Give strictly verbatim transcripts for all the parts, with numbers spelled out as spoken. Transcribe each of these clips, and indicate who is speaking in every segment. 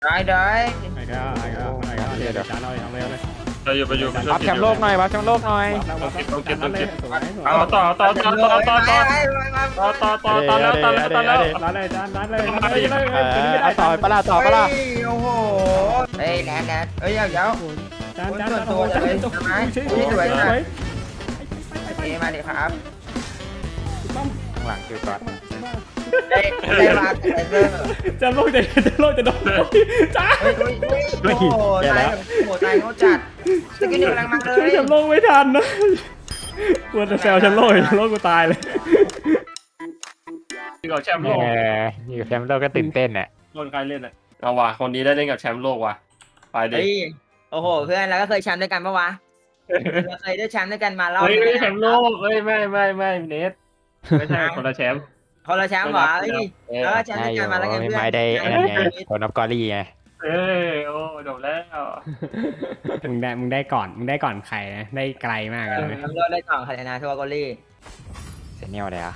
Speaker 1: ได้ได้
Speaker 2: ไอ้ก็ไอ้ก็ไอ้ก็เดี๋ยวเดี๋ยวจานเอาเลยเอาเลยเอาเลย
Speaker 3: ไปอยู่ไปอยู่ไปช่วย
Speaker 4: วับแชมป์โลกหน่อยวับแชมป์โลกหน่อย
Speaker 2: ต้องเก็บต้องเก็บสวยสวย
Speaker 3: ต่อต่อต่อต่อต่อต่อต่อ
Speaker 1: ไปไปไป
Speaker 3: ต่อต่อต่อต่อแล้วต่อแล้วต่อแล้ว
Speaker 2: ร้านเลยจานร้านเลยร้านเลย
Speaker 4: เออเอาต่อปะล่ะต่อปะล่ะ
Speaker 1: โอ้โหเฮ้ยแลนแลนเฮ้ยเดี๋ยวเดี๋ยว
Speaker 2: จานจาน
Speaker 1: ตัวเลยใช่ไหมนี่สวยนะโอเคมาดิครับ
Speaker 4: ข้างหลังคือก่อน
Speaker 1: ได้ได้มาแต่เซอร์
Speaker 2: จะโลกจะจะโลกจะโดนจ้า
Speaker 1: เฮ้ยเฮ้ยโอ้โหตายโหตายเขาจัดสกิลหนึ่งกำลังมาเลย
Speaker 2: จะโลกไม่ทันนะกลัวจะแซวฉันโลกฉันโลกกูตายเลย
Speaker 3: กับแชมป์
Speaker 4: เอ
Speaker 3: โลก
Speaker 4: ออยู่แชมป์โลกก็ตื่นเต้นอ่ะ
Speaker 3: โดนใครเล่นอ่ะเอาว่ะคนนี้ได้เล่นกับแชมป์โลกว่ะไปดิ
Speaker 1: เฮ้ยโอ้โหเพื่อนเราก็เคยแชมป์ด้วยกันปะวะเราเคยได้แชมป์ด้วยกันมารอบ
Speaker 3: เฮ้ย
Speaker 1: นึง
Speaker 3: ไม่แชมป์โลกเฮ้ยไม่ไม่ไม่เนทไม่ใช่คนละแชมป์
Speaker 1: คนละแชมป์เหรอเฮ้ยแล้วแชมป์
Speaker 4: ได้
Speaker 1: ด้วย
Speaker 4: อ
Speaker 1: กัน
Speaker 4: ยู่
Speaker 1: มาแล้วไง
Speaker 4: ไม่
Speaker 1: เพื่อน
Speaker 4: ไม่ได้ไอ้นั่นไงคนนับกอรี่ไง
Speaker 3: เอ้ยโอ้จบแล้ว
Speaker 2: มึงได้มึงได้ก่อนมึงได้ก่อนใครนะได้ไกลมากเลย
Speaker 1: ทำเลือดได้ก่อนคาเดนาทัวร์กอลี่
Speaker 4: เซเนียลเลยอ่ะ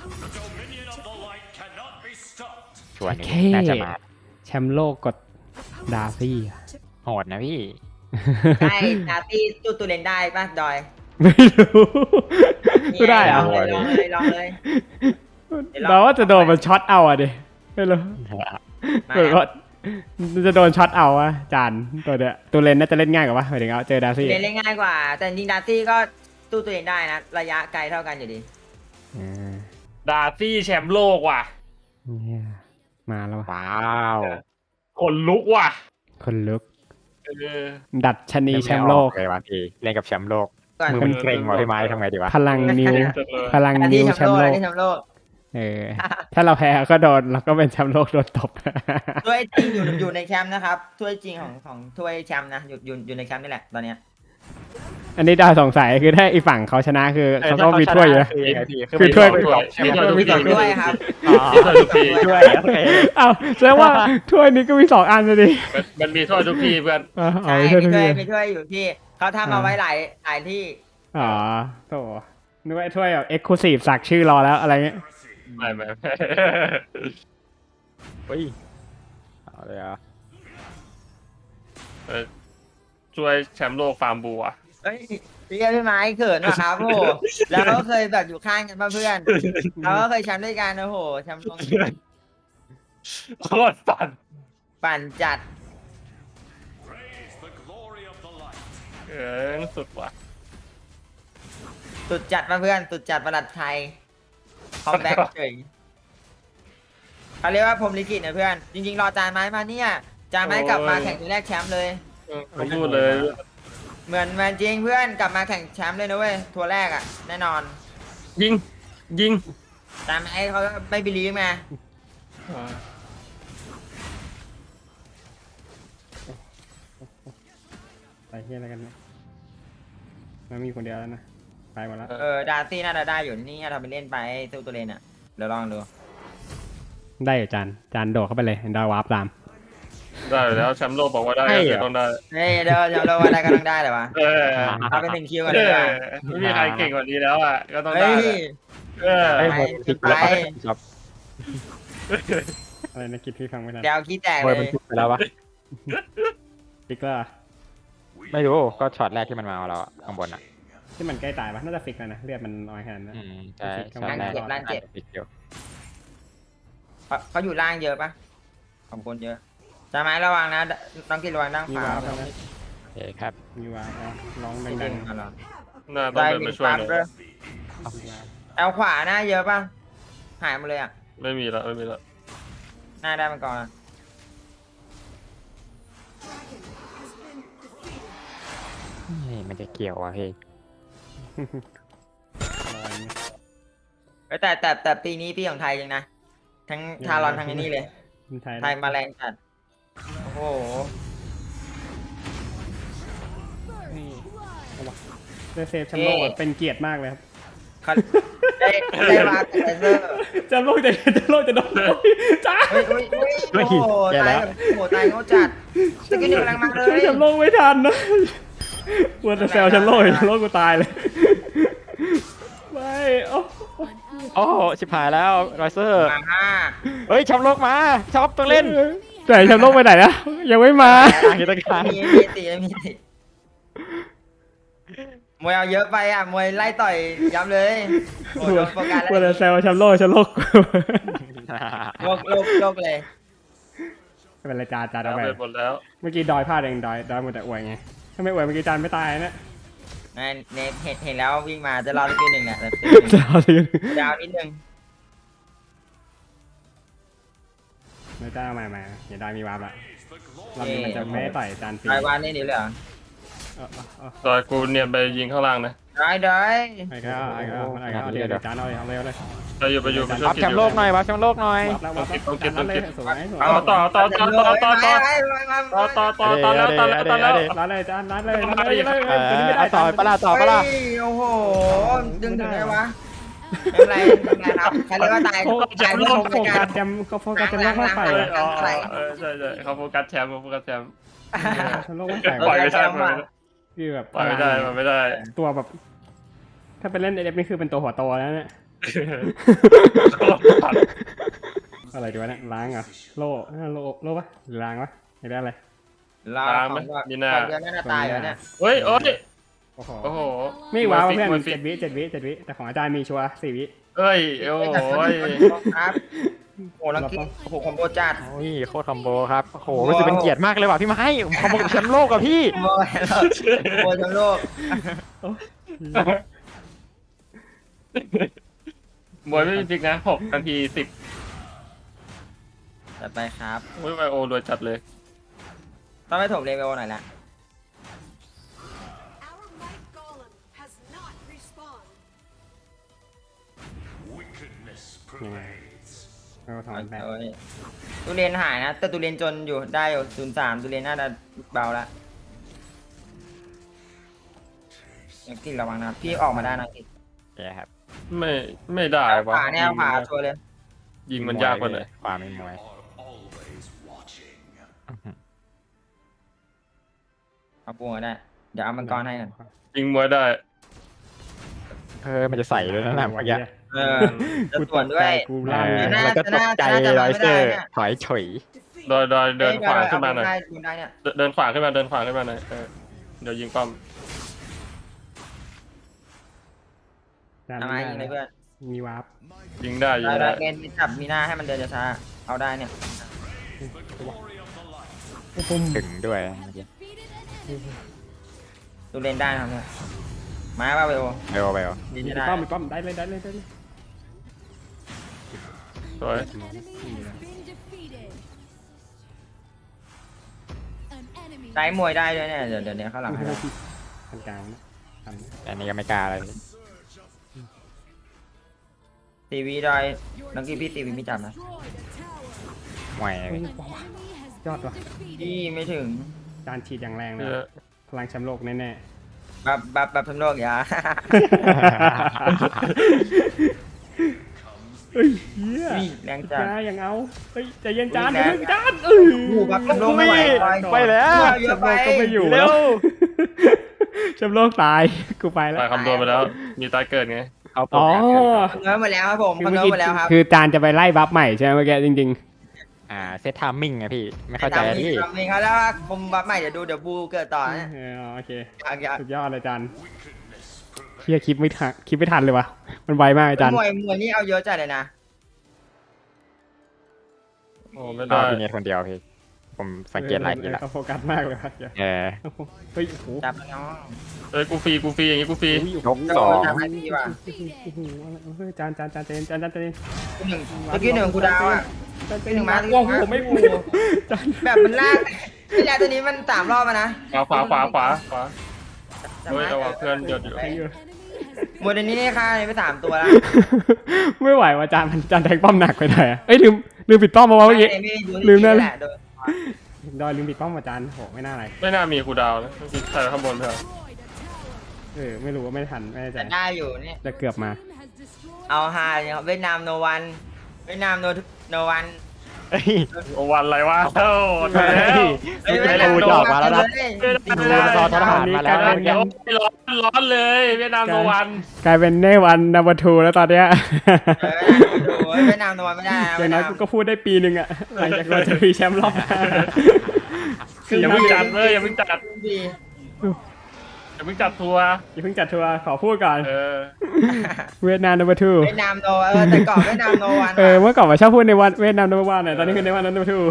Speaker 4: ชวนนี้น่าจะมา
Speaker 2: แชมป์โลกกดดาร์ซี่
Speaker 4: โหดนะพี่
Speaker 1: ใช่นาตี้ตู้ตูเลนได้ป่ะดอย
Speaker 2: ไม่รู้กูได้เหร
Speaker 1: ล
Speaker 2: อ
Speaker 1: องเลยลองเลยลองเลย
Speaker 2: เราว่าจะโดนมันช็อตเอาอ่ะดิไม่รู้
Speaker 1: มา
Speaker 2: เออว่าจะโดนช็อตเอาอะจานตัวเนี้ยตัวเลนน่าจะเล่นง่ายกว่าปะหมายถึงเอาเจอดาร์ซี่
Speaker 1: เล่นเล่นง่ายกว่า แต่จริงดาตี้ก็ตู้ตูเลนได้นะ ระยะไกลเท่ากันอยู่ดี
Speaker 2: อ่า
Speaker 3: ดาร์ซี่แชมป์โลกว่ะ
Speaker 2: เนี่ยมาแล้วว่ะ
Speaker 4: ว้าว
Speaker 3: คนลุกว่ะ
Speaker 2: คนลุก
Speaker 3: เออ
Speaker 2: ดัดชนีแชมป์โลก
Speaker 4: เลยวันทีเล่นกับแชมป์โลก
Speaker 1: ก่อน
Speaker 4: มือมันเกร็งว่ะพี่ไม้ทำไงดีวะ
Speaker 2: พลังนิ้ว พลัง
Speaker 1: ดา
Speaker 2: นิ้
Speaker 1: ตี้
Speaker 2: ว
Speaker 1: แช
Speaker 2: แช
Speaker 1: ม
Speaker 2: ม
Speaker 1: ป์โล
Speaker 2: ป์
Speaker 1: ก
Speaker 2: โลก
Speaker 1: ดาตี้แชมป์โลก
Speaker 2: เออ ถ้าเราแพ้ก็โดนเราก็เป็นแชมป์โลกโดนตบ
Speaker 1: ถ้วยจริงอยู่อยู่ในแชมป์นะครับถ้วยจริงของของถ้วยแชมป์นะอยู่อยู่อยู่ในแชมป์นี่แหละตอนเนี้ย
Speaker 2: อันนี้ดาวสงสัยคือถ้าอีฝั่งเขาชนะคือเขาก็มีถ้วยอยู่นะ
Speaker 4: คือยังไงพี่
Speaker 2: คือถ้วย
Speaker 3: ถ้วยมีถ้วยทุก
Speaker 2: มี
Speaker 3: ที
Speaker 2: สอง
Speaker 1: ด้วยครับ
Speaker 4: อ๋อ
Speaker 3: มีถ้วยทุกที
Speaker 4: ช่วยโอเค
Speaker 2: อ้าวแสดงว่าถ้วยนี้ก็มีสองอันเลยดิ
Speaker 3: มันมีถ้วยทุกทีเพื่อน
Speaker 2: อ๋อ
Speaker 1: ใช่
Speaker 2: มีถ้วย
Speaker 1: มี
Speaker 2: ทุก
Speaker 1: ถ้วย
Speaker 2: ที
Speaker 1: มีถ้วยอยู่ที่เขาทำเอาไว้หลายหลายที่
Speaker 2: อ๋อโถนึกว่าไอ้ถ้วยแบบเอ็กซ์คลูซีฟสักชื่อรอแล้วอะไรเงี้ย
Speaker 3: ไม่ไม่
Speaker 4: เฮ้ยเอาเลยอ่ะ
Speaker 3: เออช่วยแชมป์โลกฟาร์มบัว
Speaker 1: เฮ้ยพี่พี่ไม้เขินว่ะครับโอ้โหแล้วก็เคยแบบอยู่ข้างกันป่ะเพื่อนเราก็เคยแชมป์ด้วยกันโอ้โหแชมป์ตรง
Speaker 3: โคตรปั่น
Speaker 1: ปั่นจัด
Speaker 3: เออสุดว่ะ
Speaker 1: สุดจัดมาเพื่อนสุดจัดประหลัดไทยคอมแบ็กเฉยเขาเรียกว่าพรหมลิขิตนะเพื่อน จริงๆรอจานไม้มาเนี่ยจานไม้กลับมาแข่งทีแรกแชมป์เลย
Speaker 3: ผมพูดเลย
Speaker 1: เหมือนเหมือนจริงเพื่อนกลับมาแข่งแชมป์เลยนะเว้ยทัวร์แรกอ่ะแน่นอน
Speaker 3: ยิงยิง
Speaker 1: จานไม้เขาไม่บิลีฟไง
Speaker 2: ไปเฮียอะไรกันเนี่ยมันมีคนเดียวแล้วนะไปหมดแล้ว
Speaker 1: เออดาร์ซี่น่าจะได้อยู่นี่เราไปเล่นไปสู้ตัวเลนอ่ะเดี๋ยวลองดู
Speaker 2: ได้อยู่จานจานโดดเข้าไปเลยดาววาร์ปตาม
Speaker 3: ได้แล้วแชมป์โลกบอกว่าได้ก็คือต้องได้
Speaker 1: เฮ้ยเดี๋ยวเดี๋ยวเราว่าได้ก็ต้องได้เลยวะ
Speaker 3: เออ
Speaker 1: เอาเป็นหนึ่งคิวกัน
Speaker 3: เอ
Speaker 1: เลย
Speaker 3: อ
Speaker 1: ว่ะ
Speaker 3: ไม่มีใครเก่งกว่านี้แล้วอ่ะก็ต้องได้
Speaker 1: เฮ้ย
Speaker 3: เออ
Speaker 4: ไอ้ยหมดพลิกแล้ว
Speaker 1: ไป
Speaker 4: ครับ
Speaker 2: อะไรนะกิดพี่ฟังไม่ทัน
Speaker 1: เดี๋ยวคิดแตก
Speaker 4: โอ้
Speaker 1: เลย ย
Speaker 4: มันพลิกไปแล้ววะ
Speaker 2: ฟิกเกอร์
Speaker 4: ไม่รู้ก็ช็อตแรกที่มันมาเอาเราอะข้างบนอ่ะ
Speaker 2: ที่มันใกล้ตายปะน่าจะฟิกแล้วนะเลือดมันน้อยขนาดนั้น
Speaker 4: อืมใช่
Speaker 2: ฟิก
Speaker 4: ช็อตแรก
Speaker 2: เก็บร่างเจ็บ
Speaker 4: พลิกอยู่
Speaker 1: เขาเขาอยู่ล่างเยอะปะของคนเยอะจะไหมระวังนะต้องกินระวังด้าน
Speaker 2: มี
Speaker 1: ขวาว
Speaker 2: าร์ปแล้วนะ
Speaker 4: โอเคครับ
Speaker 2: มีวาร์ปแล้วร้อง
Speaker 1: ไม่
Speaker 2: ดั
Speaker 1: ดึ
Speaker 2: ง
Speaker 1: ง
Speaker 2: ๆ
Speaker 1: มาหรอ
Speaker 3: น่าต้อง
Speaker 1: ได้
Speaker 3: เดิน
Speaker 1: มี
Speaker 3: มาช่วย
Speaker 1: ปั๊ม
Speaker 3: หน่อย
Speaker 1: ด้วยแอลขวาหน้าเยอะปะหายหมดเลยอ่ะ
Speaker 3: ไม่มีแล้วไม่มีแล้ว
Speaker 1: หน้าได้มันก่อนอะ
Speaker 4: เฮ้ยมันจะเกี่ยวอ่ะเฮ้ย
Speaker 1: เอ้ยแต่แต่แต่ปีนี้ปีของไทยจริงนะทั้งทารอนทั้งไอ้นี่เลย
Speaker 2: คนไทย
Speaker 1: ไทยมาแรงจัดโอ้โห
Speaker 2: ได้เซฟแชมป์โลกแบบเป็นเกียรติมากเลยครับ
Speaker 1: เขาได้ได้มาแต่เซอร์
Speaker 2: แชมป์โลกจะจะโลกจะโดนจ้า
Speaker 1: เฮ้ยเฮ้ยเฮ้ยโอ้โหตายแบบโอ้โหตายเขาจัดสกิลหนึ่งกำลังมาเล
Speaker 2: ช่วย
Speaker 1: ย
Speaker 2: แชมป์โลกไม่ทันนะกลัวจะแซวแชมป์โลกแชมป์โลกกูตายเลยไม่โอ้
Speaker 4: โอ้โหชิบหายแล้วไรเซอร์
Speaker 1: มาห้า
Speaker 4: เฮ้ยแชมป์โลกมาช็อปต้องเล่น
Speaker 2: แต่แชมป์โลกไปไหนนะยังไม่มา
Speaker 4: อ่างอยู่ตรงกลาง
Speaker 1: มีมีติมีติมวยเอาเยอะไปอ่ะมวยไล่ต่อยย้ำเลยโอ้โหโดนโฟกัส
Speaker 2: ควร
Speaker 1: แล้
Speaker 2: จะ
Speaker 1: ว
Speaker 2: แซวแชมป์โลกแชมป์โลก
Speaker 1: โลกโลกโลกเลย
Speaker 2: ไม่เป็นไรจานจาน
Speaker 3: เอา
Speaker 2: เอาไป
Speaker 3: ไปหมดแล้ว
Speaker 2: เมื่อกี้ดอยพลาดเองดอยดอยหมดแต่อวยไงถ้าไม่อวยเมื่อกี้จานไม่ตายนะ
Speaker 1: นั่นเนทเห็นเห็นแล้ววิ่งมาจะรอสักทีหนึ่งเนี่ยแต่
Speaker 2: จะเอาสิ
Speaker 1: ดาวนิดนึง
Speaker 2: ไม่จ้ามาใหม่เดี๋ยวดอยมีวาร์ปละรอบนี้มันจะไม่ได้ต่อยจานฟรี
Speaker 1: รายวันนี่นี่เลยเหรอ
Speaker 2: เออเออเออ
Speaker 3: ตอนกูเนี่ยไปยิงข้างล่างนะ
Speaker 1: ได้ได้
Speaker 2: ไอ้ก็ไอ้ก็ไอ้ก็เอาเดี๋ยวเดี๋ยวจานเอาเลยเอาเลยเอาเลย
Speaker 3: ไปอยู่ไปอยู่ไปช่วย
Speaker 4: วับ
Speaker 3: กิน
Speaker 4: แชมป์โลกหน่อยวับแชมป์โลกหน่อย
Speaker 2: วับแล้ววับแล้วจานนั้นเลยสวยสวย
Speaker 3: เอาต่อต่อต่อต่อต่อต่อ
Speaker 1: ไปไปไปไป
Speaker 3: ต่อต่อต่อต่อแล้วต่อแล้วต่อแล้ว
Speaker 2: ร้านเลยจานร้านเลยร้านเลย
Speaker 4: เอ
Speaker 2: เลยตัวนี้ไม่
Speaker 4: อ
Speaker 2: ได้
Speaker 4: ต่อปะล่ะต่อปะล่ะ
Speaker 1: เฮ้ยโอ้โหดึงถึงได้วะไม่เป็นไรไม่เป็นไรครับใครเรียกว่าตาย
Speaker 2: เขา
Speaker 1: ตาย
Speaker 2: เขา
Speaker 1: ผู้ชม
Speaker 2: โฟ
Speaker 1: ราย
Speaker 2: กั
Speaker 1: กา
Speaker 2: ส
Speaker 1: ร
Speaker 2: แชมป์เขาโฟกัสแชมป์โลกมากไป
Speaker 3: เอออ๋อเออใช่ใช่เขาโฟกัสแชมป์เขาโฟกัสแชมป์
Speaker 2: แชมป์โลกมากไป
Speaker 3: ปล่อยไม่ได้ปล่อย
Speaker 2: คือแบบ
Speaker 3: ไม่ได้ปล่อยไม่ได้
Speaker 2: ตัวแบบ ถ้าไปเล่นเอเดฟนี่คือเป็นตัวหัวโตแล้วเนี่ยอะไรดีวะเนี่ยล้างเหรอโล่โล่โล่ปะหรือล้างวะไม่ได้อะไร
Speaker 1: รอ
Speaker 3: ตามไหม
Speaker 1: ของ
Speaker 3: มีหน้า
Speaker 1: ของเดือนน่าจะตายแล้วเนี่ย
Speaker 3: เฮ้ยโอ้ย
Speaker 2: โอ้โห
Speaker 3: โอ้โห
Speaker 2: ไม่ว้าวเพื่อน
Speaker 3: มวยฟิต
Speaker 2: เจ็ดวิเจ็ดวิเจ็ดวิแต่ของอาจารย์มีชัวร์สี่วิ
Speaker 3: เอ้ยโอ้ย
Speaker 1: ครับโอ้ลังกี้โอ้โหคอมโบจัด
Speaker 4: โอ้ยโคตรคอมโบครับโอ้โหรู้สึกเป็นเกียรติมากเลยว่ะพี่ไม้คอมโบกับแชมป์โลกกับพี่
Speaker 1: คอมโบแล้วคอมโบทั้งโลก
Speaker 3: มวยไม่มีพลิกนะหกนาทีสิบ
Speaker 1: จัดไปครับ
Speaker 3: โอ้ยไวโอรวยจัดเลย
Speaker 1: ต้องไปถมเลเวลหน่อยละ
Speaker 5: Our might golem has not respawned.
Speaker 2: ยังไงเราถอนแบ
Speaker 1: โอ้ยตูเรียนหายนะ แต่ตูเรียนจนอยู่ได้อยู่ศูนย์สามตูเรียนน่าจะเบาละยังกินระวังนะพี่ออกมาได้นะกิน
Speaker 4: แย่ครับ
Speaker 3: ไม่ไม่ได้วะ
Speaker 1: ขวาแนวขวาชัวร์เลย
Speaker 3: ยิงมันยากกว่าเลย
Speaker 4: ความไม่มวย
Speaker 1: เอาปูมาได้ เดี๋ยวเอามังกรให้กัน
Speaker 3: ยิงมวยได้
Speaker 4: เออมันจะใส่ด้วยนะหนังเมื่อกี้
Speaker 1: เออจะส่วนด้วย
Speaker 2: กู
Speaker 4: เอ
Speaker 2: ล่าง
Speaker 4: อ
Speaker 2: เลย
Speaker 1: น่า
Speaker 4: แล้วก็ตกใจ
Speaker 1: น่าจะ
Speaker 4: ไรเซอร์
Speaker 1: ไม่ได้เนี่ย
Speaker 4: ถอยเฉย
Speaker 3: โดยโดยเดินขวาขึ้นมาหน่อย
Speaker 1: ได้ดูได้เนี่ย
Speaker 3: เดินเดินขวาขึ้นมาเดินขวาขึ้นมาหน่อยเออเดี๋ยวยิงป้อม
Speaker 2: จาน
Speaker 1: ทำไมยิงเลยเพื่อน
Speaker 2: มีวาร์ป
Speaker 3: ยิงได้ยิ
Speaker 1: ได้
Speaker 3: ง
Speaker 1: ได้
Speaker 3: ได้
Speaker 1: เกณฑ์จับมีหน้าให้มันเดินช้าๆเอาได้เนี่ย
Speaker 2: ปุ้ม
Speaker 4: ถึงด้วยเมื่อกี้
Speaker 1: ตูเรียนได้ครับเนี่ยมาว่าเวล
Speaker 4: ไปโอไปโอ
Speaker 1: ดี
Speaker 2: มี
Speaker 1: ได้
Speaker 2: ป้อมมีป้อมได้เลยได้เลยได้เลย
Speaker 3: สวย
Speaker 5: Enemy has been defeated. An enemy
Speaker 1: ได้มวยได้ด้วยเนี่ยเดี๋ยวเดี๋ยวเดี๋ยวข้างหลังให้เรา
Speaker 2: ทางกลางนะทำนะ
Speaker 4: อันนี้ก็ไม่กล้าเลย
Speaker 1: ตีวีได้นักกีพี่ตีวีไม่จับนะ
Speaker 5: destroyed a tower.
Speaker 4: มวย
Speaker 2: เฮ้ย
Speaker 5: An enemy has
Speaker 2: ยอดว่ะ
Speaker 5: been defeated.
Speaker 1: พี่ไม่ถึง
Speaker 2: จานฉีดอย่างแรง
Speaker 3: เอ
Speaker 2: นะ
Speaker 3: อ
Speaker 2: พลังแชมป์โลกแน่
Speaker 1: บับบับบับทั้งโลกอย่า
Speaker 2: ๆเฮ้ยเฮีย
Speaker 1: นี่แรงจัด
Speaker 2: จานยังเอาเฮ้ยใจเย็นจาน
Speaker 1: อุ๊ยแรง
Speaker 2: เพิ่งจานเออ
Speaker 1: โอ้โหบับทั้งโลกไม่ไหว
Speaker 4: ไปแล้ว
Speaker 1: เย
Speaker 2: แช
Speaker 1: อะ
Speaker 2: มป์
Speaker 1: ไป
Speaker 2: โลกก็ไม่อยู่
Speaker 4: เร็
Speaker 2: แล้ว
Speaker 4: ว
Speaker 2: แชมป์โลกตายกูไปแล้ว
Speaker 3: ตายคำตัวไปแล้ว มีตายเกิดไง
Speaker 4: เอาโปร
Speaker 2: อ๋อ
Speaker 4: แกรมเกินก่อน
Speaker 1: เงินหมดแล้วครับผม
Speaker 2: คือ
Speaker 1: เงิ
Speaker 2: เมื่อน กี้
Speaker 1: หมดแล้วครับ
Speaker 2: คือจานจะไปไล่บัฟใหม่ใช่ไหมเมื่อกี้จริง
Speaker 4: อ่าเซตไทามมิ่งไงพี่ไม่เข้าใจอะพี่
Speaker 1: ทำเองเขาแล้วว่าผมบับใหม่เดี๋ยวดูเดี๋ยวบูเกิดต่อ
Speaker 2: ๆ
Speaker 1: นะ
Speaker 2: เออโอเค
Speaker 1: อยากอยาก
Speaker 2: สุดยอดเลยจานเฮียคลิปไม่ทันคลิปไม่ทันเลยวะมันไวมากอาจารย์
Speaker 1: มวยมวยนี่เอาเยอะจัดเลยนะ
Speaker 3: โอ้ไม่
Speaker 4: ก็
Speaker 3: ได้
Speaker 4: พี่เนทคนเดียวพี่ผมสังเกตหลายทีละ
Speaker 2: เขาโฟกัสมากเลยครับ
Speaker 4: เออ
Speaker 2: เฮ้ยโอ้โห
Speaker 1: จับน้อง
Speaker 3: เอ้ยกูฟรีกูฟรีอย่างงี้กูฟรี
Speaker 2: โอ้ย
Speaker 4: ยก
Speaker 1: จะ
Speaker 4: สอง
Speaker 1: จับให้พี่ว่ะ
Speaker 2: โอ้โหเฮ้ยจานจานจานเจนจานจานเจน
Speaker 1: หนึ่งเมื่อกี้หนึ่งกูดาวอ่ะ
Speaker 2: จานเจ
Speaker 1: หนึ่
Speaker 2: น
Speaker 1: ง
Speaker 2: มา
Speaker 1: มา
Speaker 2: ว้าวผมไม่พูดจาน
Speaker 1: แบบมันลากไม่แล้วตัวนี้มันสามรอบมานะ
Speaker 3: ขวาขวาขวาขวาขวา
Speaker 1: จับ
Speaker 3: เฮ้ย
Speaker 1: ไม้
Speaker 3: เอาว่ะเพื่อนเดี๋ยวเดี๋ยว
Speaker 2: ใครอยู่
Speaker 1: มวยตัวนี้นี่ค่าไปสามตัวแล้ว
Speaker 2: ไม่ไหวว่ะจานมันจานแทงป้อมหนักไปหน่อยอะเอ้ยลืมลืมปิดป้อมมาเมื่อกี้ ลื
Speaker 1: ลื
Speaker 2: ม
Speaker 1: ม
Speaker 2: นั่
Speaker 1: นั่
Speaker 2: น
Speaker 1: นแหละโดน
Speaker 2: ดอยลืมปิดป้อมมาจานโหไม่น่าอะไร
Speaker 3: ไม่น่ามีกูดาวนะใส่ข้างบนเถอะ
Speaker 2: เออไม่รู้ว่าไม่ทันไม่แน่ใจ
Speaker 1: แต่ได้อยู่เนี่ย
Speaker 2: แต่เกือบมา
Speaker 1: เอาฮาเนี่ยเวียดนามโนวันเวียดนามโนโนวัน
Speaker 4: เฮ้ย
Speaker 3: โอวันอะไรวะเอ้าตายแล้ว
Speaker 1: เฮ้ยเวียดนามโนวันเลย
Speaker 4: ดูซอทหารมาแล้ว
Speaker 2: กลาย
Speaker 3: เดี๋
Speaker 2: เป็
Speaker 3: ยวน ร้อนร้อนเลยเวียดนามโนวัน
Speaker 2: กลายเป็นเนวันนัมเบอร์ทูแล้วตอนเนี้ย
Speaker 1: เออดูยเวียดนามโนวันไม่ได้นะ
Speaker 2: อ
Speaker 1: เวี
Speaker 2: ย่าย ง
Speaker 1: ด
Speaker 2: น้
Speaker 1: นา
Speaker 2: อย
Speaker 1: ม
Speaker 2: กูก็พูดได้ปีหนึ่งอะหลังจากเราจะมีแชมป์รอบหน้า
Speaker 3: อย่าเพิ่งจัดเลยอย่าเพิ่งจัด
Speaker 1: ดี
Speaker 3: อย่าเพิ่งจัดทัวร์
Speaker 2: อย่าเพิ่งจัดทัวร์ขอพูดก่อน
Speaker 3: เออ
Speaker 2: เวียดนาม number two
Speaker 1: เวียดนามโนเออแต่ก่อนเวียดนามโนวัน
Speaker 2: เออเมื่อก่อนมาชอบพูดในวันเวียดนาม number one เนี่ยตอนนี้คือในวัน number two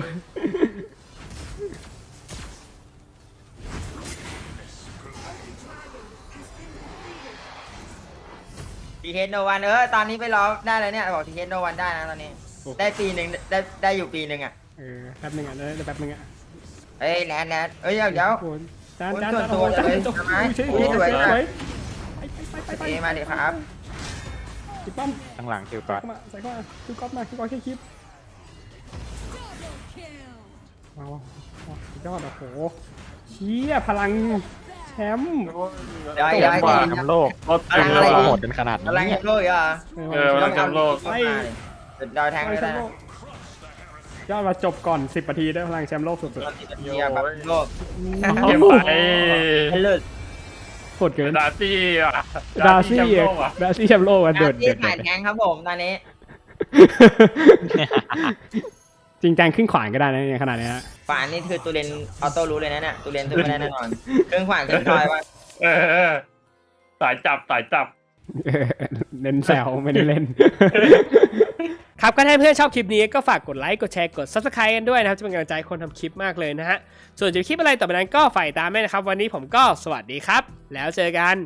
Speaker 1: ทีเทสโนวันเออตอนนี้ไปรอได้เลยเนี่ยบอกทีเทสโนวันได้นะตอนนี้ ได้ปีหนึ่งได้ได้อยู่ปีหนึ่งอ่ะ
Speaker 2: เออแป๊บนึงอ่ะได้แป๊บนึงอ่ะ
Speaker 1: เอ้ยแนทแนทเอ้ยเดี๋ยวเดี๋ยว
Speaker 2: โอ้โหจาน
Speaker 1: คุณ
Speaker 2: จาน
Speaker 1: ส่วน
Speaker 2: จาน
Speaker 1: ตัว
Speaker 2: จาน
Speaker 1: เลย
Speaker 2: จาน
Speaker 1: ทำไม
Speaker 2: ใช่
Speaker 1: อุ๊ยสวย
Speaker 2: ส
Speaker 1: มาก
Speaker 2: วยไปไปไปไป
Speaker 1: เอ้ยมาดิครับ
Speaker 2: ติดป้อม
Speaker 4: ข้างหลังคิวก่อน
Speaker 2: เข้ามาใส่เข้ามาคิวก๊อฟมาคิวก๊อฟแค่คลิป
Speaker 5: Double kill.
Speaker 2: ว้าวว้าวว้าวสุดยอดโอ้โหเชี่ยพลังแชมป์
Speaker 1: เดี๋ยว
Speaker 4: แช
Speaker 1: เดี๋ยว
Speaker 4: ม
Speaker 1: ให้
Speaker 4: ป์กว่า
Speaker 1: ดี
Speaker 4: แชมป์โลก
Speaker 3: รถ
Speaker 1: อะไร
Speaker 3: เต็ม
Speaker 1: อะ
Speaker 3: เล
Speaker 1: ไร
Speaker 3: ย
Speaker 4: เรา
Speaker 3: ว่ะ
Speaker 4: โหดกันขนาด
Speaker 1: กำลัง
Speaker 4: นี้
Speaker 1: แชมป์โลกอีกเหรอ
Speaker 3: เออ พลังแชมป์โลก
Speaker 1: เฮ้ยดาวแทงก็ได้
Speaker 2: ยอดมาจบก่อนสิบนาทีได้พลังแชมป์โลกสุด
Speaker 1: ตอนที่เป็นเทียร์แบบโลก
Speaker 2: ๆ
Speaker 3: เก็บไป
Speaker 1: ให้เลิศ
Speaker 2: โหดเกิน
Speaker 3: ดาร์ซี่อ่ะ
Speaker 2: ดาร์ซี่
Speaker 3: แชมป์โลกอ่ะ
Speaker 2: ดาร์ซี่แชมป์โลกอ่ะเดือด
Speaker 1: ที่
Speaker 2: เดือด
Speaker 1: ถ่ายแทงครับผมตอนนี้
Speaker 2: จริงจังขึ้นขวานก็ได้นะในขนาดนี้ฮะ
Speaker 1: ฝานนี่คือตูเรนออโต้รู้เลยนะเนี่ยตูเรนสู้ไม่ได้แน่นอนเครื่องขวานเครื่องทอยว่า
Speaker 3: เออสายจับสายจับ
Speaker 2: เออเล่นแซวไม่ได้เล่น
Speaker 6: ครับก็ถ้าเพื่อนชอบคลิปนี้ก็ฝากกดไลค์กดแชร์กด ซับสไครบ์ กันด้วยนะครับจะเป็นกำลังใจให้คนทำคลิปมากเลยนะฮะส่วนจะคลิปอะไรต่อไปนั้นก็ฝ่ายตามด้วยนะครับวันนี้ผมก็สวัสดีครับแล้วเจอกัน